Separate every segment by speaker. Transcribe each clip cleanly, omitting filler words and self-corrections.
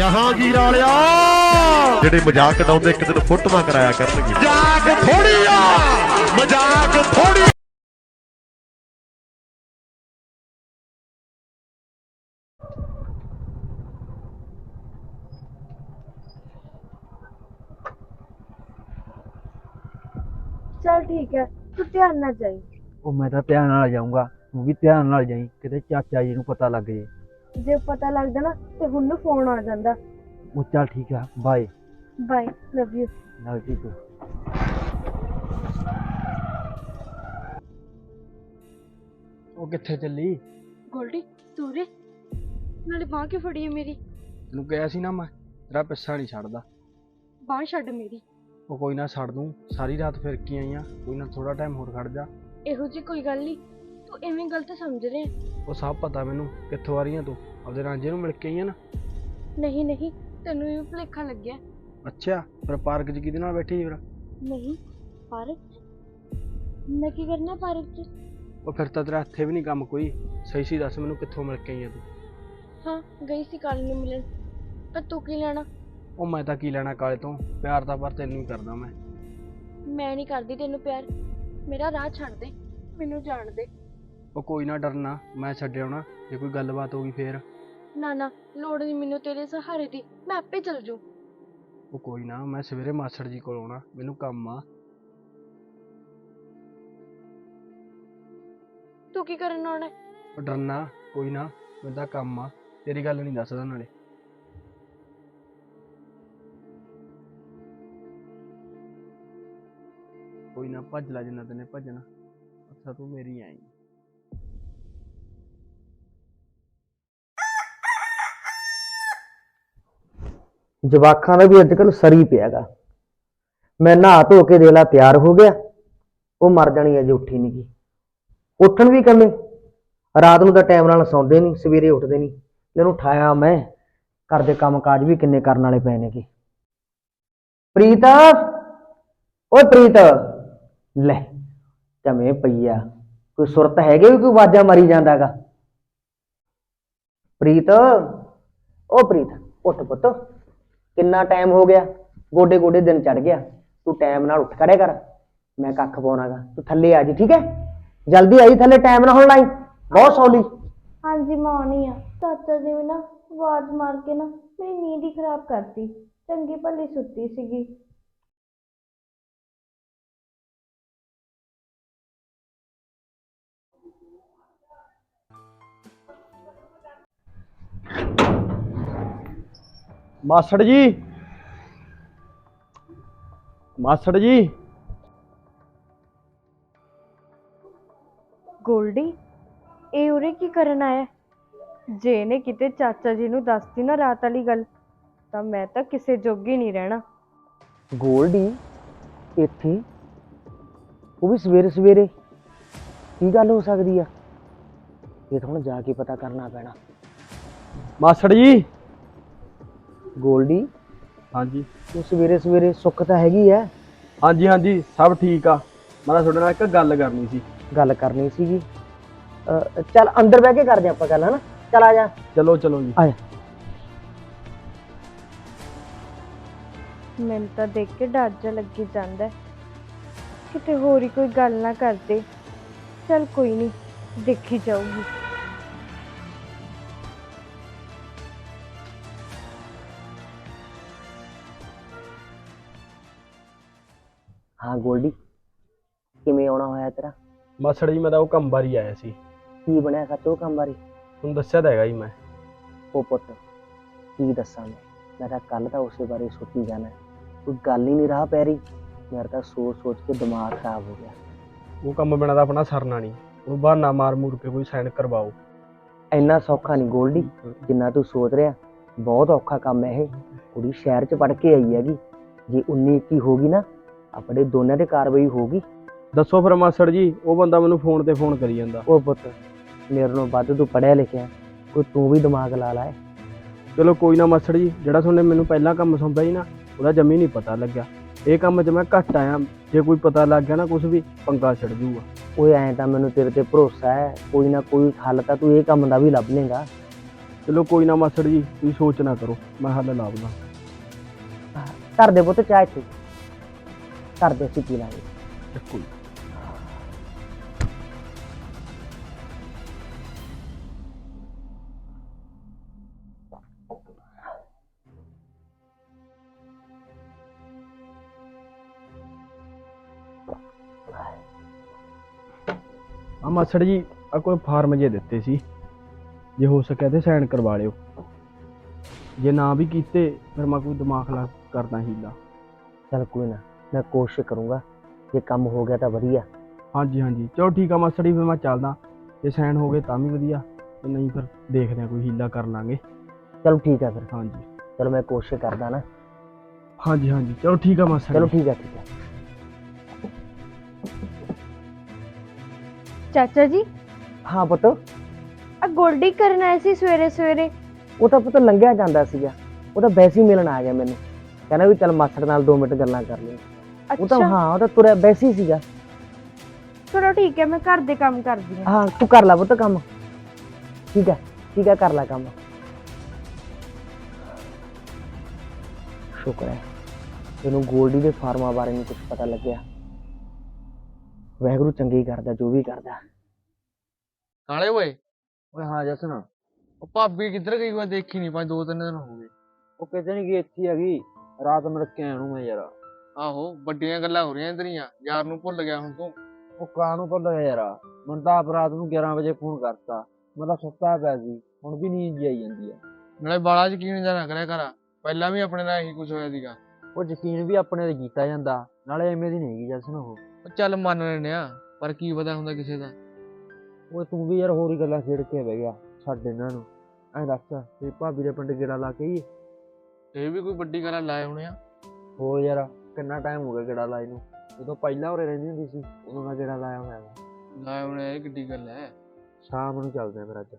Speaker 1: ਜਹਾਂਗੀਰ ਵਾਲਿਆ ਜਿਹੜੇ ਮਜ਼ਾਕ ਉਡਾਉਂਦੇ ਇੱਕ ਦਿਨ ਫੋਟੋਆਂ ਕਰਾਇਆ ਕਰਨਗੇ। ਮਜ਼ਾਕ ਥੋੜੀ ਆ, ਮਜ਼ਾਕ ਥੋੜੀ।
Speaker 2: चल ठीक है, तू ध्यान ना जाई।
Speaker 3: ਉਹ ਮੈਂ ਤਾਂ ਧਿਆਨ ਨਾਲ ਜਾਊਂਗਾ, ਤੂੰ ਵੀ ਧਿਆਨ ਨਾਲ ਜਾਈਂ, ਕਿਤੇ ਚਾਚਾ ਜੀ ਨੂੰ ਪਤਾ ਲੱਗ ਜੇ।
Speaker 2: जे पता लगदा ना ते हुण नूं फोन आ जांदा।
Speaker 3: ਉਹ ਚੱਲ ਠੀਕ ਆ, ਬਾਏ।
Speaker 2: Bye, love you.
Speaker 3: ਨਾਲ ਜੀ ਤੂੰ ਉਹ ਕਿੱਥੇ ਚੱਲੀ?
Speaker 2: गोल्डी तू रे नाले बांह क्यों फड़ी है मेरी?
Speaker 3: ਤੈਨੂੰ ਕਿਹਾ ਸੀ ਨਾ ਮੈਂ ਤੇਰਾ ਪਿੱਛਾ ਨਹੀਂ ਛੱਡਦਾ।
Speaker 2: बांह छड्ड मेरी।
Speaker 3: ਉਹ ਕੋਈ ਨਾ ਛੱਡ ਦੂੰ, ਸਾਰੀ ਰਾਤ ਫਿਰ ਕੀ ਆਈਆਂ, ਕੋਈ ਨਾ ਥੋੜਾ ਟਾਈਮ ਹੋਰ ਖੜ ਜਾ।
Speaker 2: ਇਹੋ ਜੀ ਕੋਈ ਗੱਲ ਨਹੀਂ, ਤੂੰ ਐਵੇਂ ਗਲਤ ਸਮਝ ਰਿਹਾ।
Speaker 3: ਉਹ ਸਭ ਪਤਾ ਮੈਨੂੰ, ਕਿੱਥੋਂ ਆ ਰਹੀਆਂ ਤੂੰ? ਆਪਦੇ ਰਾਂਝੇ ਨੂੰ ਮਿਲ ਕੇ ਆਈਆਂ ਨਾ?
Speaker 2: ਨਹੀਂ ਨਹੀਂ, ਤੈਨੂੰ ਇਹ ਭੁਲੇਖਾ ਲੱਗਿਆ।
Speaker 3: ਅੱਛਾ, ਫਿਰ ਪਾਰਕ 'ਚ ਕਿਹਦੇ ਨਾਲ ਬੈਠੀ ਫਿਰ?
Speaker 2: ਨਹੀਂ ਪਾਰਕ ਮੈਂ ਕੀ ਕਰਨਾ ਪਾਰਕ 'ਚ?
Speaker 3: ਉਹ ਫਿਰ ਤਾਂ ਤੇਰਾ ਇੱਥੇ ਵੀ ਨਹੀਂ ਕੰਮ ਕੋਈ। ਸਹੀ ਸੀ ਦੱਸ ਮੈਨੂੰ, ਕਿੱਥੋਂ ਮਿਲ ਕੇ ਆਈਆਂ ਤੂੰ?
Speaker 2: ਹਾਂ ਗਈ ਸੀ ਕਾਲੇ ਨੂੰ ਮਿਲਣ, ਪਰ ਤੂੰ ਕੀ ਲੈਣਾ?
Speaker 3: ਉਹ ਮੈਂ ਤਾਂ ਕੀ ਲੈਣਾ ਕਾਲੇ ਤੋਂ, ਪਿਆਰ ਤਾਂ ਪਰ ਤੈਨੂੰ ਹੀ ਕਰਦਾ ਮੈਂ।
Speaker 2: ਮੈਂ ਨਹੀਂ ਕਰਦੀ ਤੈਨੂੰ ਪਿਆਰ, ਮੇਰਾ ਰਾਹ ਛੱਡ ਦੇ, ਮੈਨੂੰ ਜਾਣ ਦੇ।
Speaker 3: ਉਹ ਕੋਈ ਨਾ ਡਰਨਾ, ਮੈਂ ਛੱਡਿਆ ਹੋਣਾ, ਜੇ ਕੋਈ ਗੱਲਬਾਤ ਹੋ ਗਈ ਫੇਰ।
Speaker 2: ਨਾ ਨਾ, ਲੋੜ ਨਹੀਂ ਮੈਨੂੰ ਤੇਰੇ ਸਹਾਰੇ ਦੀ, ਮੈਂ ਆਪੇ ਚੱਲ ਜੂ।
Speaker 3: ਉਹ ਕੋਈ ਨਾ, ਮੈਂ ਸਵੇਰੇ ਮਾਸੜ ਜੀ ਕੋਲ ਆਉਣਾ, ਮੈਨੂੰ ਕੰਮ ਆ।
Speaker 2: ਤੂੰ ਕੀ ਕਰਨ ਆਉਣਾ?
Speaker 3: ਉਹ ਡਰਨਾ ਕੋਈ ਨਾ, ਮੈਨੂੰ ਤਾਂ ਕੰਮ ਆ, ਤੇਰੀ ਗੱਲ ਨਹੀਂ ਦੱਸਦਾ ਨਾਲੇ। ਕੋਈ ਨਾ, ਭੱਜ ਲੈ ਜਿੰਨਾ ਤੈਨੇ ਭੱਜਣਾ, ਅੱਛਾ ਤੂੰ ਮੇਰੀ ਆਈ।
Speaker 4: ਜਵਾਕਾਂ ਦਾ ਵੀ ਅੱਜ ਕੱਲ ਸਰੀ ਪਿਆਗਾ। ਮੈਂ ਨਹਾ ਧੋ ਕੇ ਦੇਲਾ ਤਿਆਰ ਹੋ ਗਿਆ, ਉਹ ਮਰ ਜਾਣੀ ਅਜੇ ਉੱਠੀ ਨਹੀਂ ਗਈ। ਉੱਠਣ ਵੀ ਕਮੇ, ਰਾਤ ਨੂੰ ਤਾਂ ਟਾਈਮ ਨਾਲ ਸੌਂਦੇ ਨਹੀਂ, ਸਵੇਰੇ ਉੱਠਦੇ ਨਹੀਂ। ਇਹਨੂੰ ਉਠਾਇਆ ਮੈਂ, ਘਰ ਦੇ ਕੰਮ ਕਾਜ ਵੀ ਕਿੰਨੇ ਕਰਨ ਵਾਲੇ ਪਏ ਨੇਗੇ। ਪ੍ਰੀਤ, ਓਏ ਪ੍ਰੀਤ, ਲੈ ਜਮੇ ਪਈ ਆ, ਕੋਈ ਸੁਰਤ ਹੈਗੇ ਵੀ ਕੋਈ ਆਵਾਜ਼ਾਂ ਮਾਰੀ ਜਾਂਦਾਗਾ। ਪ੍ਰੀਤ, ਓ ਪ੍ਰੀਤ ਉੱਠ ਪੁੱਤ, ਕਿੰਨਾ ਟਾਈਮ ਹੋ ਗਿਆ, ਗੋਡੇ ਗੋਡੇ ਦਿਨ ਚੜ ਗਿਆ, ਤੂੰ ਟਾਈਮ ਨਾਲ ਉੱਠ ਖੜਿਆ ਕਰ। ਮੈਂ ਕੱਖ ਪਾਉਣਾਗਾ, ਤੂੰ ਥੱਲੇ ਆ ਜੀ, ਠੀਕ ਹੈ? ਜਲਦੀ ਆਈ ਥੱਲੇ, ਟਾਈਮ ਨਾਲ ਹੁਣ ਲਾਈ, ਬਹੁਤ ਸੌਲੀ।
Speaker 2: हाँ जी मैं आनी आ। चाचा जी भी ना आवाज मार के ना मेरी नींद ही खराब करती, चंगी भली सुती सीगी।
Speaker 3: ਮਾਸੜ ਜੀ, ਮਾਸੜ ਜੀ।
Speaker 2: ਗੋਲਡੀ ਇਹ ਉਰੇ ਕੀ ਕਰਨ ਆਇਆ? ਜੇ ਇਹਨੇ ਕਿਤੇ ਚਾਚਾ ਜੀ ਨੂੰ ਦੱਸਦੀ ਨਾ ਰਾਤ ਵਾਲੀ ਗੱਲ, ਤਾਂ ਮੈਂ ਤਾਂ ਕਿਸੇ ਜੋਗੀ ਨਹੀਂ ਰਹਿਣਾ।
Speaker 4: ਗੋਲਡੀ ਇੱਥੇ, ਉਹ ਵੀ ਸਵੇਰੇ ਸਵੇਰੇ? ਕੀ ਗੱਲ ਹੋ ਸਕਦੀ ਆ? ਇਹ ਤਾਂ ਹੁਣ ਜਾ ਕੇ ਪਤਾ ਕਰਨਾ ਪੈਣਾ।
Speaker 3: ਮਾਸੜ ਜੀ।
Speaker 4: ਗੋਲਡੀ
Speaker 3: ਹਾਂਜੀ
Speaker 4: ਤੂੰ ਸਵੇਰੇ ਸਵੇਰੇ, ਸੁੱਖ ਤਾਂ ਹੈਗੀ ਐ?
Speaker 3: ਹਾਂਜੀ ਹਾਂਜੀ, ਸਭ ਠੀਕ ਆ। ਮੈਂ ਤਾਂ ਤੁਹਾਡੇ ਨਾਲ ਇੱਕ ਗੱਲ ਕਰਨੀ ਸੀ।
Speaker 4: ਗੱਲ ਕਰਨੀ ਸੀਗੀ? ਚੱਲ ਅੰਦਰ ਬਹਿ ਕੇ ਕਰਦੇ ਆਪਾਂ ਗੱਲ, ਹਨਾ? ਚੱਲ ਆ ਜਾ।
Speaker 3: ਚਲੋ ਚਲੋ ਜੀ।
Speaker 4: ਆ ਜਾ।
Speaker 2: ਮੈਨੂੰ ਤਾਂ ਦੇਖ ਕੇ ਡਰ ਜਿਹਾ ਲੱਗੀ ਜਾਂਦਾ, ਕਿਤੇ ਹੋਰ ਹੀ ਕੋਈ ਗੱਲ ਨਾ ਕਰਦੇ। ਚੱਲ ਕੋਈ ਨਹੀਂ, ਦੇਖੀ ਜਾਊਗੀ।
Speaker 4: ਹਾਂ ਗੋਲਡੀ, ਕਿਵੇਂ ਆਉਣਾ ਹੋਇਆ ਤੇਰਾ?
Speaker 3: ਮਾਸੜ ਜੀ ਮੈਂ ਤਾਂ ਉਹ ਕੰਮ ਬਾਰੀ ਆਇਆ ਸੀ।
Speaker 4: ਕੀ ਬਣਿਆ ਸੱਚ ਉਹ ਕੰਮ ਬਾਰੇ?
Speaker 3: ਤੁਹਾਨੂੰ ਦੱਸਿਆ ਤਾਂ ਹੈਗਾ ਜੀ ਮੈਂ।
Speaker 4: ਉਹ ਪੁੱਤ ਕੀ ਦੱਸਾਂ ਮੈਂ ਤਾਂ ਕੱਲ ਤਾਂ ਉਸੇ ਬਾਰੇ ਸੋਚੀ ਜਾਣਾ, ਕੋਈ ਗੱਲ ਹੀ ਨਹੀਂ ਰਾਹ ਪੈ ਰਹੀ। ਮੇਰਾ ਤਾਂ ਸੋਚ ਸੋਚ ਕੇ ਦਿਮਾਗ ਖਰਾਬ ਹੋ ਗਿਆ।
Speaker 3: ਉਹ ਕੰਮ ਬਿਨਾਂ ਤਾਂ ਆਪਣਾ ਸਰਨਾ ਨਹੀਂ, ਉਹ ਬਹਾਨਾ ਮਾਰ ਮੂਰ ਕੇ ਕੋਈ ਸਾਈਨ ਕਰਵਾਓ।
Speaker 4: ਇੰਨਾ ਸੌਖਾ ਨਹੀਂ ਗੋਲਡੀ ਜਿੰਨਾ ਤੂੰ ਸੋਚ ਰਿਹਾ, ਬਹੁਤ ਔਖਾ ਕੰਮ ਹੈ ਇਹ। ਕੁੜੀ ਸ਼ਹਿਰ 'ਚ ਪੜ੍ਹ ਕੇ ਆਈ ਹੈਗੀ, ਜੇ 19-21 ਹੋ ਗਈ ਨਾ, ਆਪਣੇ ਦੋਨਾਂ ਤੇ ਕਾਰਵਾਈ ਹੋਊਗੀ।
Speaker 3: ਦੱਸੋ ਫਿਰ ਮਾਸੜ ਜੀ, ਉਹ ਬੰਦਾ ਮੈਨੂੰ ਫੋਨ ਤੇ ਫੋਨ ਕਰੀ ਜਾਂਦਾ।
Speaker 4: ਉਹ ਪੁੱਤ ਮੇਰੇ ਨਾਲੋਂ ਵੱਧ ਤੂੰ ਪੜ੍ਹਿਆ ਲਿਖਿਆ, ਕੋਈ ਤੂੰ ਵੀ ਦਿਮਾਗ ਲਾ ਲੈ।
Speaker 3: ਚਲੋ ਕੋਈ ਨਾ ਮਾਸੜ ਜੀ, ਜਿਹੜਾ ਤੁਹਾਨੇ ਮੈਨੂੰ ਪਹਿਲਾਂ ਕੰਮ ਸੌਂਪਿਆ ਸੀ ਨਾ, ਉਹਦਾ ਜਮੀ ਨਹੀਂ ਪਤਾ ਲੱਗਿਆ। ਇਹ ਕੰਮ 'ਚ ਮੈਂ ਘੱਟ ਆਇਆ, ਜੇ ਕੋਈ ਪਤਾ ਲੱਗ ਗਿਆ ਨਾ ਕੁਛ ਵੀ, ਪੰਗਾ ਛਿੜ ਜੂਗਾ।
Speaker 4: ਓਏ ਐਂ ਤਾਂ ਮੈਨੂੰ ਤੇਰੇ ਤੇ ਭਰੋਸਾ ਹੈ, ਕੋਈ ਨਾ ਕੋਈ ਹੱਲ ਤਾਂ ਤੂੰ ਇਹ ਕੰਮ ਦਾ ਵੀ ਲੱਭ ਲੇਗਾ।
Speaker 3: ਚਲੋ ਕੋਈ ਨਾ ਮਾਸੜ ਜੀ, ਤੁਸੀਂ ਸੋਚ ਨਾ ਕਰੋ, ਮੈਂ ਹੱਲ ਲਾਉਂਗਾ।
Speaker 4: ਧਰ ਦੇ ਪੁੱਤ ਚਾਹ ਇੱਥੇ, ਧਰ ਦੇ, ਅਸੀਂ ਪੀ ਲਾਂਗੇ।
Speaker 3: ਚੱਕੋ ਜੀ। ਆ ਮਾਸੜ ਜੀ, ਆ ਕੋਈ ਫਾਰਮ ਜੇ ਦਿੱਤੇ ਸੀ, ਜੇ ਹੋ ਸਕਿਆ ਤੇ ਸਾਈਨ ਕਰਵਾ ਲਿਓ। ਜੇ ਨਾ ਵੀ ਕੀਤੇ ਫਿਰ ਮੈਂ ਕੋਈ ਦਿਮਾਗ ਲਾ ਕਰਦਾ ਹੀਲਾ।
Speaker 4: ਚੱਲ ਕੋਈ ਨਾ, ਮੈਂ ਕੋਸ਼ਿਸ਼ ਕਰੂੰਗਾ, ਜੇ ਕੰਮ ਹੋ ਗਿਆ ਤਾਂ ਵਧੀਆ।
Speaker 3: ਹਾਂਜੀ ਹਾਂਜੀ, ਚਲੋ ਠੀਕ ਆ ਮਾਸੜ ਜੀ, ਫਿਰ ਮੈਂ ਚੱਲਦਾ। ਜੇ ਸਾਈਨ ਹੋ ਗਏ ਤਾਂ ਵੀ ਵਧੀਆ, ਤੇ ਨਹੀਂ ਫਿਰ ਦੇਖਦੇ ਆ, ਕੋਈ ਹੀਲਾ ਕਰ ਲਾਂਗੇ।
Speaker 4: ਚਲੋ ਠੀਕ ਆ ਫਿਰ।
Speaker 3: ਹਾਂਜੀ
Speaker 4: ਚਲੋ ਮੈਂ ਕੋਸ਼ਿਸ਼ ਕਰਦਾ ਨਾ।
Speaker 3: ਹਾਂਜੀ ਹਾਂਜੀ, ਚਲੋ ਠੀਕ ਆ ਮਾਸੜ
Speaker 4: ਚਲੋ
Speaker 3: ਜੀ।
Speaker 4: ਠੀਕ ਆ, ਠੀਕ ਆ।
Speaker 2: ਚਾਚਾ ਜੀ,
Speaker 4: ਹਾਂ ਪੁੱਤ,
Speaker 2: ਆ ਗੋਲਡੀ ਕਰਨ ਆਏ ਸੀ ਸਵੇਰੇ ਸਵੇਰੇ?
Speaker 4: ਉਹ ਤਾਂ ਪੁੱਤ ਲੰਘਿਆ ਜਾਂਦਾ ਸੀਗਾ, ਉਹ ਤਾਂ ਵੈਸੇ ਹੀ ਮਿਲਣ ਆ ਗਿਆ ਮੈਨੂੰ, ਕਹਿੰਦਾ ਵੀ ਚੱਲ ਮਾਸੜ ਨਾਲ 2 ਮਿੰਟ ਗੱਲਾਂ ਕਰ ਲਈ। ਉਹ ਤਾਂ
Speaker 2: ਅੱਛਾ,
Speaker 4: ਹਾਂ, ਉਹ ਤਾਂ ਤੁਰਿਆ ਵੈਸੇ ਹੀ ਸੀਗਾ।
Speaker 2: ਚਲੋ ਠੀਕ ਹੈ, ਮੈਂ ਘਰ ਦੇ ਕੰਮ ਕਰਦੀ ਹਾਂ।
Speaker 4: ਹਾਂ ਤੂੰ ਕਰ ਲੈ ਪੁੱਤ ਕੰਮ। ਠੀਕ ਹੈ, ਠੀਕ ਹੈ, ਕਰ ਲੈ ਕੰਮ। ਸ਼ੁਕਰ ਹੈ ਇਹਨੂੰ ਗੋਲਡੀ ਦੇ ਫਾਰਮਾਂ ਬਾਰੇ ਨਹੀਂ ਕੁਝ ਪਤਾ ਲੱਗਿਆ। ਵਾਹਿਗੁਰੂ ਚੰਗੀ ਕਰਦਾ ਜੋ ਵੀ ਕਰਦਾ।
Speaker 5: ਕਾਲੇ ਓਏ,
Speaker 3: ਓਏ ਹਾਂ ਜਸਨ,
Speaker 5: ਉਹ ਭਾਬੀ ਕਿੱਧਰ ਗਈ? ਮੈਂ ਦੇਖੀ ਨਹੀਂ, 2-3 ਦਿਨ ਹੋ ਗਏ।
Speaker 3: ਉਹ ਕਿਤੇ ਨਹੀਂ ਗਈ, ਇੱਥੇ ਹੈਗੀ। ਰਾਤ ਮਿਲ ਕੇ ਆਇਆ ਨੂੰ ਮੈਂ ਯਾਰ।
Speaker 5: ਆਹੋ, ਵੱਡੀਆਂ ਗੱਲਾਂ ਹੋ ਰਹੀਆਂ ਤੇਰੀਆਂ, ਯਾਰ ਨੂੰ ਭੁੱਲ ਗਿਆ ਹੁਣ ਤੂੰ।
Speaker 3: ਉਹ ਕਾਹਨੂੰ ਭੁੱਲ ਗਿਆ ਯਾਰ, ਮੈਨੂੰ ਤਾਂ ਆਪ ਰਾਤ ਨੂੰ 11 ਵਜੇ ਫੋਨ ਕਰਤਾ, ਮੈਂ ਤਾਂ ਸੁੱਤਾ ਪਿਆ ਸੀ, ਹੁਣ ਵੀ ਨੀਂਦ ਜਿਹੀ ਆਈ ਜਾਂਦੀ ਆ।
Speaker 5: ਨਾਲੇ ਬਾਲਾ ਯਕੀਨ ਜਾਂ ਨਾ ਕਰਿਆ ਕਰ, ਪਹਿਲਾਂ ਵੀ ਆਪਣੇ ਨਾਲ ਇਹੀ ਕੁਝ ਹੋਇਆ ਸੀਗਾ।
Speaker 3: ਉਹ ਯਕੀਨ ਵੀ ਆਪਣੇ ਤੇ ਕੀਤਾ ਜਾਂਦਾ, ਨਾਲੇ ਐਵੇਂ ਦੀ ਨਹੀਂ ਹੈਗੀ ਜਸਨ ਉਹ।
Speaker 5: ਉਹ ਚੱਲ ਮੰਨ ਲੈਨੇ ਆ, ਪਰ ਕੀ ਪਤਾ ਹੁੰਦਾ ਕਿਸੇ ਦਾ।
Speaker 3: ਓਏ ਤੂੰ ਵੀ ਯਾਰ ਹੋਰ ਹੀ ਗੱਲਾਂ ਛੇੜ ਕੇ ਬਹਿ ਗਿਆ, ਛੱਡ ਇਹਨਾਂ ਨੂੰ। ਐਂ ਦੱਸ, ਤੇ ਭਾਬੀ ਦੇ ਪਿੰਡ ਗੇੜਾ ਲਾ ਕੇ ਆਈਏ?
Speaker 5: ਇਹ ਵੀ ਕੋਈ ਵੱਡੀ ਗੱਲ ਲਾਏ ਹੋਣੇ ਆ।
Speaker 3: ਹੋਰ ਯਾਰ, ਕਿੰਨਾ ਟਾਈਮ ਹੋ ਗਿਆ ਗੇੜਾ ਲਾਏ ਨੂੰ, ਜਦੋਂ ਪਹਿਲਾਂ ਉਰੇ ਰਹਿੰਦੀ ਹੁੰਦੀ ਸੀ ਉਦੋਂ ਦਾ ਗੇੜਾ ਲਾਇਆ ਹੋਇਆ ਵਾ।
Speaker 5: ਲਾਏ ਹੋਣੇ, ਇਹ ਕਿੱਡੀ ਗੱਲ ਹੈ।
Speaker 3: ਸ਼ਾਮ ਨੂੰ ਚੱਲਦੇ ਆ ਫਿਰ ਅੱਜ।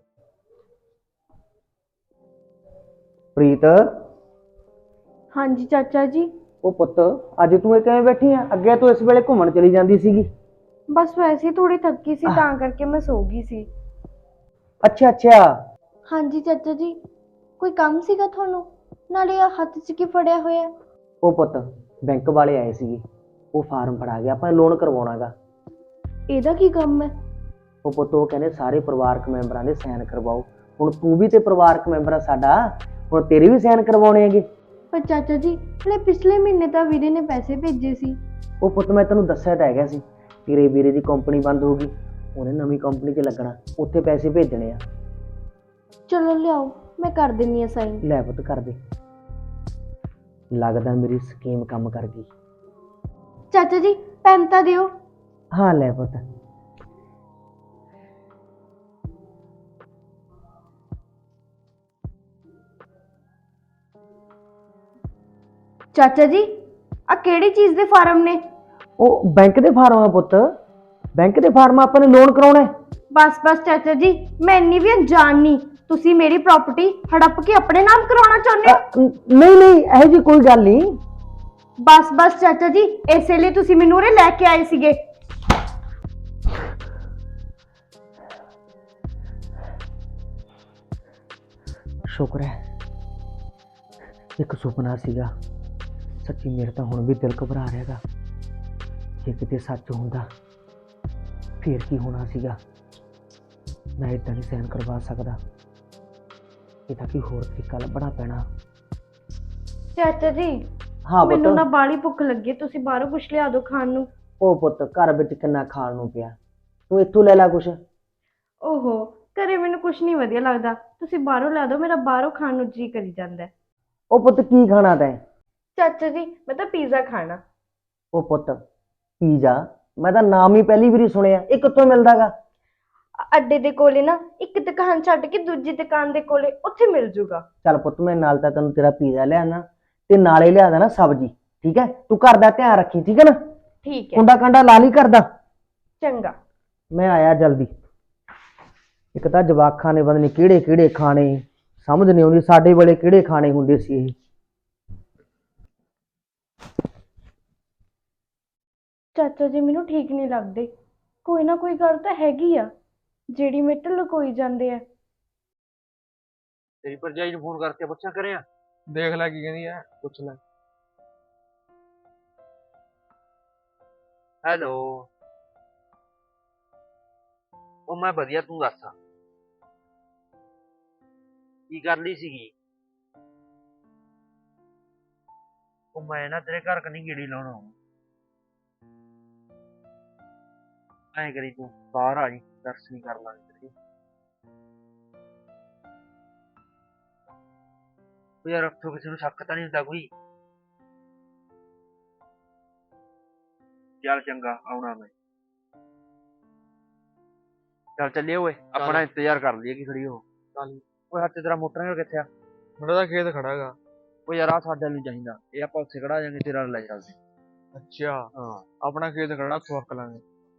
Speaker 4: ਪ੍ਰੀਤ,
Speaker 2: ਹਾਂਜੀ ਚਾਚਾ ਜੀ,
Speaker 4: ਉਹ ਪੁੱਤ ਅੱਜ ਤੂੰ ਇਹ ਕਿਵੇਂ ਬੈਠੀ ਆ? ਅੱਗੇ ਤੂੰ ਇਸ ਵੇਲੇ ਘੁੰਮਣ ਚਲੀ ਜਾਂਦੀ ਸੀਗੀ।
Speaker 2: ਬਸ ਵੈਸੇ ਹੀ ਥੋੜੀ ਥੱਕੀ ਸੀ ਤਾਂ ਕਰਕੇ ਮੈਂ ਸੋ ਗਈ ਸੀ।
Speaker 4: ਅੱਛਾ ਅੱਛਾ।
Speaker 2: ਹਾਂਜੀ ਚਾਚਾ ਜੀ, ਕੋਈ ਕੰਮ ਸੀਗਾ ਤੁਹਾਨੂੰ? ਨਾਲੇ ਆ ਹੱਥ 'ਚ ਕੀ ਫੜਿਆ ਹੋਇਆ?
Speaker 4: ਉਹ ਪੁੱਤ ਬੈਂਕ ਵਾਲੇ ਆਏ ਸੀਗੇ, ਉਹ ਫਾਰਮ ਫੜਾ ਗਿਆ, ਆਪਾਂ ਲੋਨ ਕਰਵਾਉਣਾਗਾ।
Speaker 2: ਇਹਦਾ ਕੀ ਕੰਮ ਹੈ?
Speaker 4: ਉਹ ਪੁੱਤ ਉਹ ਕਹਿੰਦੇ ਸਾਰੇ ਪਰਿਵਾਰਕ ਮੈਂਬਰਾਂ ਦੇ ਸਾਈਨ ਕਰਵਾਓ। ਹੁਣ ਤੂੰ ਵੀ ਤੇ ਪਰਿਵਾਰਕ ਮੈਂਬਰ ਆ ਸਾਡਾ, ਹੁਣ ਤੇਰੇ ਵੀ ਸਾਈਨ ਕਰਵਾਉਣੇ ਹੈਗੇ।
Speaker 2: ਪਰ ਚਾਚਾ ਜੀ, ਹਲੇ ਪਿਛਲੇ ਮਹੀਨੇ ਤਾਂ ਵੀਰੇ ਨੇ ਪੈਸੇ ਭੇਜੇ ਸੀ।
Speaker 4: ਉਹ ਪੁੱਤ ਮੈਂ ਤੈਨੂੰ ਦੱਸਿਆ ਤਾਂ ਹੈਗਾ ਸੀ, ਤੇਰੇ ਵੀਰੇ ਦੀ ਕੰਪਨੀ ਬੰਦ ਹੋ ਗਈ, ਉਹਨੇ ਨਵੀਂ ਕੰਪਨੀ 'ਚ ਲੱਗਣਾ, ਉੱਥੇ ਪੈਸੇ ਭੇਜਣੇ ਆ।
Speaker 2: ਚਲੋ ਲਿਆਓ, ਮੈਂ ਕਰ ਦਿੰਨੀ ਆ ਸਾਈਨ।
Speaker 4: ਲੈ ਪੁੱਤ ਕਰ ਦੇ। ਲੱਗਦਾ ਮੇਰੀ ਸਕੀਮ ਕੰਮ ਕਰ ਗਈ।
Speaker 2: ਚਾਚਾ ਜੀ, ਪੈਨ ਤਾਂ ਦਿਓ।
Speaker 4: ਹਾਂ ਲੈ ਪੁੱਤ।
Speaker 2: ਚਾਚਾ ਜੀ, ਆ ਕਿਹੜੀ ਚੀਜ਼ ਦੇ ਫਾਰਮ ਨੇ?
Speaker 4: ਉਹ ਬੈਂਕ ਦੇ ਫਾਰਮ ਆ ਪੁੱਤ, ਬੈਂਕ ਦੇ ਫਾਰਮ ਆਪਾਂ ਨੇ ਲੋਨ ਕਰਾਉਣਾ ਹੈ।
Speaker 2: ਬਸ ਬਸ ਚਾਚਾ ਜੀ, ਮੈਂ ਇੰਨੀ ਵੀ ਅਣਜਾਣ ਨਹੀਂ। ਤੁਸੀਂ ਮੇਰੀ ਪ੍ਰਾਪਰਟੀ ਹੜੱਪ ਕੇ ਆਪਣੇ ਨਾਮ ਕਰਾਉਣਾ ਚਾਹੁੰਦੇ ਹੋ?
Speaker 4: ਨਹੀਂ ਨਹੀਂ, ਇਹੋ ਜਿਹੀ ਕੋਈ ਗੱਲ ਨਹੀਂ।
Speaker 2: ਬਸ ਬਸ ਚਾਚਾ ਜੀ, ਇਸੇ ਲਈ ਤੁਸੀਂ ਮੈਨੂੰ ਉਰੇ ਲੈ ਕੇ ਆਏ ਸੀਗੇ।
Speaker 4: ਸ਼ੁਕਰ ਹੈ ਇੱਕ ਸੁਪਨਾ ਸੀਗਾ, ਸੱਚੀ ਮੇਰੇ ਤਾਂ ਹੁਣ ਵੀ ਦਿਲ ਘਬਰਾ ਰਿਹਾਗਾ। ਜੇ ਕਿਤੇ ਸੱਚ ਹੁੰਦਾ ਫੇਰ ਕੀ ਹੋਣਾ ਸੀਗਾ। ਮੈਂ ਏਦਾਂ ਨਹੀਂ ਸਹਿਣ ਕਰਵਾ ਸਕਦਾ, ਇਹਦਾ ਕੀ ਹੋਰ ਤਰੀਕਾ ਲੱਭਣਾ ਪੈਣਾ।
Speaker 2: ਚਾਚਾ ਜੀ,
Speaker 4: ਹਾਂ
Speaker 2: ਮੈਨੂੰ ਨਾ
Speaker 4: ਪੁੱਤ।
Speaker 2: ਬਾਹਲੀ ਭੁੱਖ ਲੱਗੀ ਹੈ, ਤੁਸੀਂ ਬਾਹਰੋਂ ਕੁਛ ਲਿਆ ਦਿਓ ਖਾਣ ਨੂੰ।
Speaker 4: ਉਹ ਪੁੱਤ ਘਰ ਵਿੱਚ ਕਿੰਨਾ ਖਾਣ ਨੂੰ ਪਿਆ, ਤੂੰ ਇੱਥੋਂ ਲੈ ਲੈ ਕੁਛ।
Speaker 2: ਓਹੋ, ਘਰੇ ਮੈਨੂੰ ਕੁਛ ਨਹੀਂ ਵਧੀਆ ਲੱਗਦਾ, ਤੁਸੀਂ ਬਾਹਰੋਂ ਲਿਆ ਦਿਓ, ਮੇਰਾ ਬਾਹਰੋਂ ਖਾਣ ਨੂੰ ਜੀ ਕਰੀ ਜਾਂਦਾ ਹੈ।
Speaker 4: ਉਹ ਪੁੱਤ ਕੀ ਖਾਣਾ ਤੈਂ?
Speaker 2: ਚਾਚਾ ਜੀ, ਮੈਂ ਤਾਂ ਪੀਜ਼ਾ ਖਾਣਾ।
Speaker 4: ਉਹ ਪੁੱਤ ਪੀਜ਼ਾ, ਮੈਂ ਤਾਂ ਨਾਮ ਹੀ ਪਹਿਲੀ ਵਾਰੀ ਸੁਣਿਆ, ਇਹ ਕਿੱਥੋਂ ਮਿਲਦਾਗਾ?
Speaker 2: ਅੱਡੇ ਦੇ ਕੋਲੇ ਨਾ ਇੱਕ ਦੁਕਾਨ ਛੱਡ ਕੇ ਦੂਜੀ ਦੁਕਾਨ ਦੇ ਕੋਲੇ ਉੱਥੇ ਮਿਲ ਜੂਗਾ।
Speaker 4: ਚੱਲ ਪੁੱਤ ਮੈਂ ਨਾਲ ਤਾਂ ਤੈਨੂੰ ਤੇਰਾ ਪੀਜ਼ਾ ਲਿਆਣਾ, ਤੇ ਨਾਲੇ ਲਿਆਦਾ ਨਾ ਸਬਜ਼ੀ, ਠੀਕ ਹੈ? ਤੂੰ ਘਰ ਦਾ ਧਿਆਨ ਰੱਖੀ, ਠੀਕ ਹੈ ਨਾ?
Speaker 2: ਠੀਕ ਹੈ,
Speaker 4: ਕੁੰਡਾ ਕੰਡਾ ਲਾ ਲਈ ਕਰਦਾ।
Speaker 2: ਚੰਗਾ।
Speaker 4: ਮੈਂ ਆਇਆ ਜਲਦੀ। ਇੱਕ ਤਾਂ ਜਵਾਕਾਂ ਨੇ ਪਤਾ ਨਹੀਂ ਕਿਹੜੇ ਕਿਹੜੇ ਖਾਣੇ, ਸਮਝ ਨਹੀਂ ਆਉਂਦੀ ਸਾਡੇ ਵੇਲੇ ਕਿਹੜੇ ਖਾਣੇ ਹੁੰਦੇ ਸੀ ਇਹ।
Speaker 2: ਚਾਚਾ ਜੀ ਮੈਨੂੰ ਠੀਕ ਨਹੀਂ ਲੱਗਦੇ, ਕੋਈ ਨਾ ਕੋਈ ਗੱਲ ਤਾਂ ਹੈਗੀ ਆ ਜਿਹੜੀ ਮੇਰੇ ਤੋਂ ਲੁਕੋਈ ਜਾਂਦੇ ਆ।
Speaker 6: ਤੇਰੀ ਭਰਜਾਈ ਨੂੰ ਫੋਨ ਕਰਕੇ ਪੁੱਛਿਆ ਕਰਿਆ?
Speaker 5: ਦੇਖ ਲੈ ਕੀ ਕਹਿੰਦੀ ਐ, ਪੁੱਛ ਲੈ।
Speaker 6: ਹੈਲੋ, ਉਹ ਮੈਂ ਵਧੀਆ, ਤੂੰ ਦੱਸ ਕੀ ਕਰ ਲਈ ਸੀਗੀ? ਉਹ ਮੈਂ ਨਾ ਤੇਰੇ ਘਰ ਕਨੀ ਗੇੜੀ ਲਾਉਣ ਆਉਂ। ਐਂ ਕਰੀ ਤੂੰ ਬਾਹਰ ਆ ਜੀ, ਦਰਸ਼ਨ ਕਰ ਲਾਂਗੇ ਤੇਰੇ। ਉਹ ਯਾਰ ਉੱਥੋਂ ਕਿਸੇ ਨੂੰ ਸ਼ੱਕ ਤਾਂ ਨਹੀਂ ਹੁੰਦਾ ਕੋਈ? ਚੱਲ ਚੰਗਾ, ਆਉਣਾ ਮੈਂ। ਚੱਲ ਚੱਲੀਏ ਓਏ, ਆਪਣਾ ਇੰਤਜ਼ਾਰ ਕਰ ਲਈਏ ਕਿ ਖੜੀ ਹੋ।
Speaker 5: ਚੱਲ।
Speaker 6: ਓਏ ਹੱਥ ਤੇਰਾ ਮੋਟਰਸਾਈਕਲ ਕਿੱਥੇ ਆ?
Speaker 5: ਮੇਰਾ ਤਾਂ ਖੇਤ ਖੜਾ ਗਾ।
Speaker 6: ਓ ਯਾਰ ਆ ਸਾਡੇ ਨੂੰ ਚਾਹੀਦਾ, ਇਹ ਆਪਾਂ ਉੱਥੇ ਖੜਾ ਜਾਾਂਗੇ, ਤੇਰਾ ਲੈ ਚੱਲਦੇ।
Speaker 5: ਅੱਛਾ,
Speaker 6: ਹਾਂ
Speaker 5: ਆਪਣਾ ਖੇਤ ਖੜਾ, ਖੁਰਕ ਲਾਂਗੇ।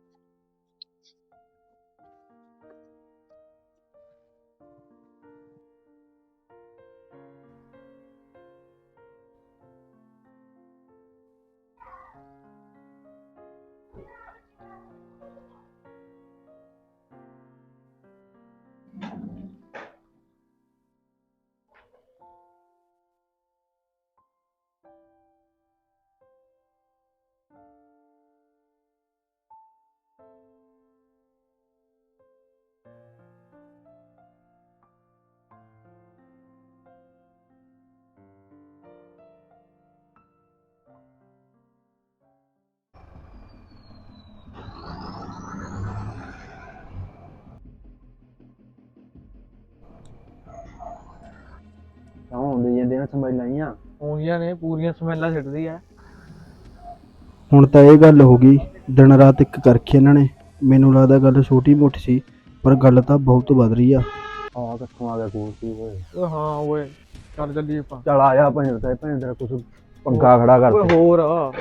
Speaker 3: ਤਾਂ ਹੁੰਦੇ ਜਾਂਦੇ ਨੇ ਸਮਝ ਲਾਈਆਂ।
Speaker 5: ਉਂਗੀਆਂ ਨੇ ਪੂਰੀਆਂ ਸਮੈਲਾਂ ਛੱਡਦੀ ਐ।
Speaker 3: ਹੁਣ ਤਾਂ ਇਹ ਗੱਲ ਹੋ ਗਈ, ਦਿਨ ਰਾਤ ਇੱਕ ਕਰਕੇ ਇਹਨਾਂ ਨੇ। ਮੈਨੂੰ ਲੱਗਦਾ ਗੱਲ ਛੋਟੀ ਮੋਟੀ ਸੀ, ਪਰ ਗੱਲ ਤਾਂ ਬਹੁਤ ਵੱਧ ਰਹੀ ਆ। ਆ ਕਿੱਥੋਂ ਆ ਗਿਆ ਕੂਰਤੀ ਓਏ?
Speaker 5: ਓਏ ਹਾਂ ਓਏ, ਚੱਲ ਚੱਲੀਏ ਆਪਾਂ।
Speaker 3: ਚੱਲ ਆ ਜਾ ਭੈਣ ਤੇਰਾ ਕੁਛ ਪੰਗਾ ਖੜਾ ਕਰ।
Speaker 5: ਓਏ ਹੋਰ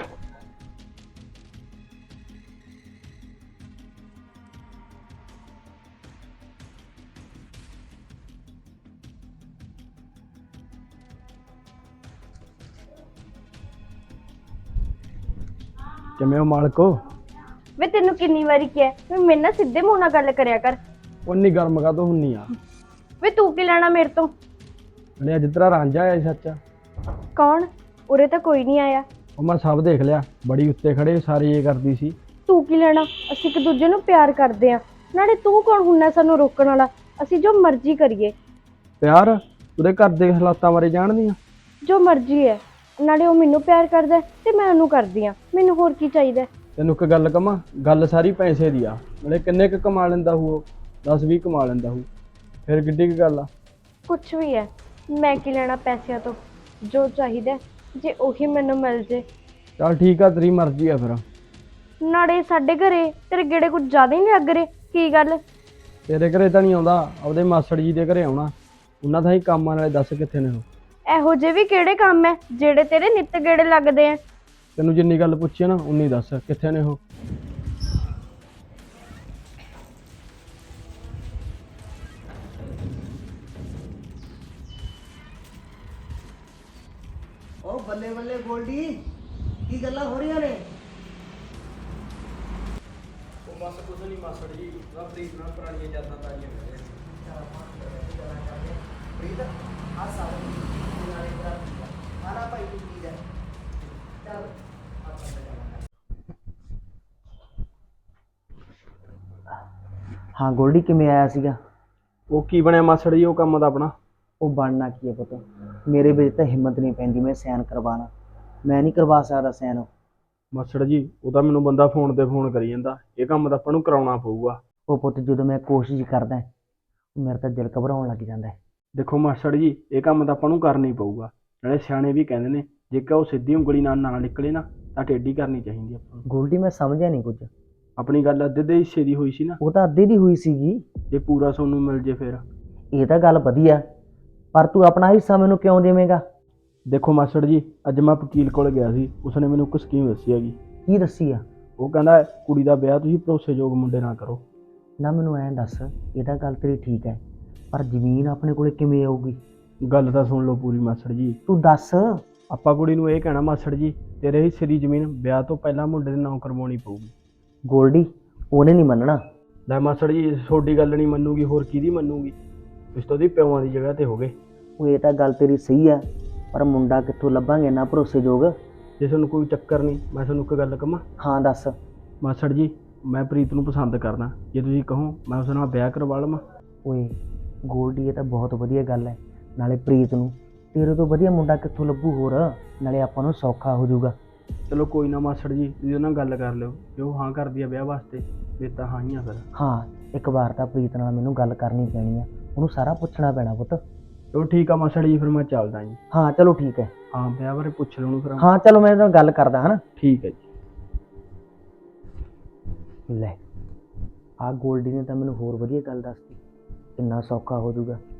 Speaker 3: ਕਿਵੇਂ ਹੋ ਮਾਲਕੋ?
Speaker 2: ਵੇ ਤੈਨੂੰ ਕਿੰਨੀ ਵਾਰੀ ਕਿਹਾ ਵੀ ਮੇਰੇ ਨਾਲ ਸਿੱਧੇ ਮੂੰਹ ਨਾਲ ਗੱਲ ਕਰਿਆ ਕਰ।
Speaker 3: ਉਨੀ ਗਰਮ ਕਾ ਤੋਂ ਹੁੰਨੀ ਆ?
Speaker 2: ਵੇ ਤੂੰ ਕੀ ਲੈਣਾ ਮੇਰੇ ਤੋਂ?
Speaker 3: ਨੇ ਅੱਜ ਤੇਰਾ ਰਾਂਝਾ ਆਇਆ ਸੀ ਸੱਚ?
Speaker 2: ਕੌਣ? ਉਰੇ ਤਾਂ ਕੋਈ ਨਹੀਂ ਆਇਆ।
Speaker 3: ਉਹ ਮੈਂ ਸਭ ਦੇਖ ਲਿਆ, ਬੜੀ ਉੱਤੇ ਖੜੇ ਸਾਰੀ ਇਹ ਕਰਦੀ ਸੀ।
Speaker 2: ਤੂੰ ਕੀ ਲੈਣਾ? ਅਸੀਂ ਇੱਕ ਦੂਜੇ ਨੂੰ ਪਿਆਰ ਕਰਦੇ ਆ, ਨਾਲੇ ਤੂੰ ਕੌਣ ਹੁੰਨਾ ਸਾਨੂੰ ਰੋਕਣ ਵਾਲਾ? ਅਸੀਂ ਜੋ ਮਰਜ਼ੀ ਕਰੀਏ।
Speaker 3: ਪਿਆਰ? ਉਹਦੇ ਘਰ ਦੇ ਹਾਲਾਤਾਂ ਬਾਰੇ ਜਾਣਦੀ ਆ?
Speaker 2: ਜੋ ਮਰਜ਼ੀ ਹੈ, ਨਾਲੇ ਉਹ ਮੈਨੂੰ ਪਿਆਰ ਕਰਦਾ ਤੇ ਮੈਂ ਉਹਨੂੰ ਕਰਦੀ ਆ, ਮੈਨੂੰ ਹੋਰ ਕੀ ਚਾਹੀਦਾ?
Speaker 3: ਤੈਨੂੰ ਇੱਕ ਗੱਲ ਕਵਾਂ, ਗੱਲ ਸਾਰੀ ਪੈਸੇ ਦੀ ਆ। ਨਾਲੇ ਕਿੰਨੇ ਕੁ ਕਮਾ ਲੈਂਦਾ ਹੋਊ? 10-20 ਕਮਾ ਲੈਂਦਾ ਹੋਊ, ਫਿਰ ਕਿੱਡੀ ਕੁ ਗੱਲ ਆ?
Speaker 2: ਕੁਛ ਵੀ ਹੈ, ਮੈਂ ਕੀ ਲੈਣਾ ਪੈਸਿਆਂ ਤੋਂ? ਜੋ ਚਾਹੀਦਾ ਜੇ ਉਹੀ ਮੈਨੂੰ ਮਿਲ ਜੇ।
Speaker 3: ਚੱਲ ਠੀਕ ਆ, ਤੇਰੀ ਮਰਜ਼ੀ ਆ ਫਿਰ।
Speaker 2: ਨਾਲੇ ਸਾਡੇ ਘਰੇ ਤੇਰੇ ਗੇੜੇ ਕੁਝ ਜ਼ਿਆਦਾ ਹੀ ਨਹੀਂ ਲੱਗ ਰਹੇ, ਕੀ ਗੱਲ?
Speaker 3: ਤੇਰੇ ਘਰੇ ਤਾਂ ਨਹੀਂ ਆਉਂਦਾ, ਆਪਦੇ ਮਾਸੜ ਜੀ ਦੇ ਘਰੇ ਆਉਣਾ। ਉਹਨਾਂ ਦਾ ਹੀ ਕੰਮ ਆ, ਨਾਲੇ ਦੱਸ ਕਿੱਥੇ ਨੇ ਉਹ?
Speaker 2: ਇਹੋ ਜਿਹੇ ਵੀ ਕਿਹੜੇ ਕੰਮ ਹੈ ਜਿਹੜੇ ਤੇਰੇ ਨਿੱਤ ਗੇੜੇ ਲੱਗਦੇ ਆ?
Speaker 3: ਤੈਨੂੰ ਜਿੰਨੀ ਗੱਲ ਪੁੱਛੀ ਨਾ ਉਨੀ ਦੱਸ, ਕਿੱਥੇ ਨੇ ਉਹ?
Speaker 4: ਉਹ ਬੱਲੇ ਬੱਲੇ ਗੋਲਡੀ, ਕੀ ਗੱਲਾਂ ਹੋ ਰਹੀਆਂ ਨੇ?
Speaker 3: ਉਹ ਬਸ ਕੁਝ ਨਹੀਂ ਮਾਸੜ ਜੀ, ਪ੍ਰੀਤ ਨਾਲ ਪੁਰਾਣੀਆਂ ਯਾਦਾਂ ਤਾਜ਼ੀਆਂ ਕਰ ਰਹੇ।
Speaker 4: ਪ੍ਰੀਤ ਆ ਸਾਰੇ ਨਾਲੇ ਤੇਰਾ ਆਣਾ ਭਾਈ ਤੂੰ ਕੀ ਹੈ? ਚੱਲ ਹਾਂ ਗੋਲਡੀ, ਕਿਵੇਂ ਆਇਆ ਸੀਗਾ?
Speaker 3: ਉਹ ਕੀ ਬਣਿਆ ਮਾਸੜ ਜੀ ਉਹ ਕੰਮ ਦਾ ਆਪਣਾ?
Speaker 4: ਉਹ ਬਣਨਾ ਕੀ ਹੈ ਪੁੱਤ, ਮੇਰੇ ਵਿੱਚ ਤਾਂ ਹਿੰਮਤ ਨਹੀਂ ਪੈਂਦੀ ਮੈਂ ਸਾਈਨ ਕਰਵਾਉਣਾ। ਮੈਂ ਨਹੀਂ ਕਰਵਾ ਸਕਦਾ ਸਾਈਨ।
Speaker 3: ਮਾਸੜ ਜੀ ਉਹ ਤਾਂ ਮੈਨੂੰ ਬੰਦਾ ਫੋਨ ਤੇ ਫੋਨ ਕਰੀ ਜਾਂਦਾ, ਇਹ ਕੰਮ ਤਾਂ ਆਪਾਂ ਨੂੰ ਕਰਾਉਣਾ ਪਊਗਾ।
Speaker 4: ਉਹ ਪੁੱਤ ਜਦੋਂ ਮੈਂ ਕੋਸ਼ਿਸ਼ ਕਰਦਾ ਮੇਰਾ ਤਾਂ ਦਿਲ ਘਬਰਾਉਣ ਲੱਗ ਜਾਂਦਾ ਹੈ।
Speaker 3: ਦੇਖੋ ਮਾਸੜ ਜੀ, ਇਹ ਕੰਮ ਤਾਂ ਆਪਾਂ ਨੂੰ ਕਰਨਾ ਹੀ ਪਊਗਾ। ਨਾਲੇ ਸਿਆਣੇ ਵੀ ਕਹਿੰਦੇ ਨੇ, ਜੇਕਰ ਉਹ ਸਿੱਧੀ ਉਂਗਲੀ ਨਾਲ ਨਾ ਨਿਕਲੇ ਨਾ ਤਾਂ ਟੇਢੀ ਕਰਨੀ ਚਾਹੀਦੀ ਆਪਾਂ ਨੂੰ।
Speaker 4: ਗੋਲਡੀ ਮੈਂ ਸਮਝਿਆ ਨਹੀਂ ਕੁਝ।
Speaker 3: ਆਪਣੀ ਗੱਲ ਅੱਧੇ ਦੇ ਹਿੱਸੇ ਦੀ ਹੋਈ ਸੀ ਨਾ,
Speaker 4: ਉਹ ਤਾਂ ਅੱਧੇ ਦੀ ਹੋਈ ਸੀਗੀ।
Speaker 3: ਜੇ ਪੂਰਾ ਸੋਨੂੰ ਮਿਲ ਜੇ ਫਿਰ?
Speaker 4: ਇਹ ਤਾਂ ਗੱਲ ਵਧੀਆ, ਪਰ ਤੂੰ ਆਪਣਾ ਹਿੱਸਾ ਮੈਨੂੰ ਕਿਉਂ ਦੇਵੇਂਗਾ?
Speaker 3: ਦੇਖੋ ਮਾਸੜ ਜੀ, ਅੱਜ ਮੈਂ ਵਕੀਲ ਕੋਲ ਗਿਆ ਸੀ, ਉਸਨੇ ਮੈਨੂੰ ਇੱਕ ਸਕੀਮ ਦੱਸੀ ਹੈਗੀ।
Speaker 4: ਕੀ ਦੱਸੀ ਆ?
Speaker 3: ਉਹ ਕਹਿੰਦਾ ਕੁੜੀ ਦਾ ਵਿਆਹ ਤੁਸੀਂ ਭਰੋਸੇਯੋਗ ਮੁੰਡੇ ਨਾਲ ਕਰੋ।
Speaker 4: ਨਾ ਮੈਨੂੰ ਐਂ ਦੱਸ, ਇਹ ਤਾਂ ਗੱਲ ਤੇਰੀ ਠੀਕ ਹੈ, ਪਰ ਜ਼ਮੀਨ ਆਪਣੇ ਕੋਲੇ ਕਿਵੇਂ ਆਊਗੀ?
Speaker 3: ਗੱਲ ਤਾਂ ਸੁਣ ਲਓ ਪੂਰੀ ਮਾਸੜ ਜੀ।
Speaker 4: ਤੂੰ ਦੱਸ।
Speaker 3: ਆਪਾਂ ਕੁੜੀ ਨੂੰ ਇਹ ਕਹਿਣਾ ਮਾਸੜ ਜੀ, ਤੇਰੇ ਹਿੱਸੇ ਦੀ ਜ਼ਮੀਨ ਵਿਆਹ ਤੋਂ ਪਹਿਲਾਂ ਮੁੰਡੇ ਦੇ ਨਾਂ ਕਰਵਾਉਣੀ ਪਊਗੀ।
Speaker 4: ਗੋਲਡੀ ਉਹਨੇ ਨਹੀਂ ਮੰਨਣਾ।
Speaker 3: ਲੈ ਮਾਸੜ ਜੀ, ਤੁਹਾਡੀ ਗੱਲ ਨਹੀਂ ਮੰਨੂਗੀ ਹੋਰ ਕਿਹਦੀ ਮੰਨੂਗੀ? ਤੁਸੀਂ ਤਾਂ ਉਹਦੀ ਪਿਓਾਂ ਦੀ ਜਗ੍ਹਾ ਤੇ ਹੋਗੇ।
Speaker 4: ਉਹ ਇਹ ਤਾਂ ਗੱਲ ਤੇਰੀ ਸਹੀ ਆ, ਪਰ ਮੁੰਡਾ ਕਿੱਥੋਂ ਲੱਭਾਂਗੇ ਇੰਨਾ ਭਰੋਸੇਯੋਗ।
Speaker 3: ਜੇ ਤੁਹਾਨੂੰ ਕੋਈ ਚੱਕਰ ਨਹੀਂ, ਮੈਂ ਤੁਹਾਨੂੰ ਇੱਕ ਗੱਲ ਕਹਾਂ।
Speaker 4: ਹਾਂ ਦੱਸ।
Speaker 3: ਮਾਸੜ ਜੀ, ਮੈਂ ਪ੍ਰੀਤ ਨੂੰ ਪਸੰਦ ਕਰਦਾ, ਜੇ ਤੁਸੀਂ ਕਹੋ ਮੈਂ ਉਸ ਨਾਲ ਵਿਆਹ ਕਰਵਾ ਲਵਾਂ।
Speaker 4: ਓਏ ਗੋਲਡੀ, ਇਹ ਤਾਂ ਬਹੁਤ ਵਧੀਆ ਗੱਲ ਹੈ। ਨਾਲੇ ਪ੍ਰੀਤ ਨੂੰ ਤੇਰੇ ਤੋਂ ਵਧੀਆ ਮੁੰਡਾ ਕਿੱਥੋਂ ਲੱਭੂ ਹੋਰ, ਨਾਲੇ ਆਪਾਂ ਨੂੰ ਸੌਖਾ ਹੋ ਜਾਊਗਾ।
Speaker 3: ਚਲੋ ਕੋਈ ਨਾ ਮਾਸੜ ਜੀ, ਤੁਸੀਂ ਉਹਨਾਂ ਨਾਲ ਗੱਲ ਕਰ ਲਿਓ, ਜੇ ਉਹ ਹਾਂ ਕਰਦੀ ਆ ਵਿਆਹ ਵਾਸਤੇ ਫਿਰ ਤਾਂ ਹਾਂ ਹੀ ਆ ਫਿਰ।
Speaker 4: ਹਾਂ, ਇੱਕ ਵਾਰ ਤਾਂ ਪ੍ਰੀਤ ਨਾਲ ਮੈਨੂੰ ਗੱਲ ਕਰਨੀ ਪੈਣੀ ਆ, ਉਹਨੂੰ ਸਾਰਾ ਪੁੱਛਣਾ ਪੈਣਾ ਪੁੱਤ।
Speaker 3: ਚਲੋ ਠੀਕ ਆ ਮਾਸੜ ਜੀ, ਫਿਰ ਮੈਂ ਚੱਲਦਾ ਜੀ।
Speaker 4: ਹਾਂ ਚਲੋ ਠੀਕ ਹੈ।
Speaker 3: ਹਾਂ, ਵਿਆਹ ਬਾਰੇ ਪੁੱਛ ਲਓ ਉਹਨੂੰ ਫਿਰ।
Speaker 4: ਹਾਂ ਚਲੋ ਮੈਂ ਇਹਦੇ ਨਾਲ ਗੱਲ ਕਰਦਾ ਹਾਂ।
Speaker 3: ਠੀਕ ਹੈ ਜੀ।
Speaker 4: ਲੈ, ਆਹ ਗੋਲਡੀ ਨੇ ਤਾਂ ਮੈਨੂੰ ਹੋਰ ਵਧੀਆ ਗੱਲ ਦੱਸਤੀ, ਕਿੰਨਾ ਸੌਖਾ ਹੋ ਜਾਊਗਾ।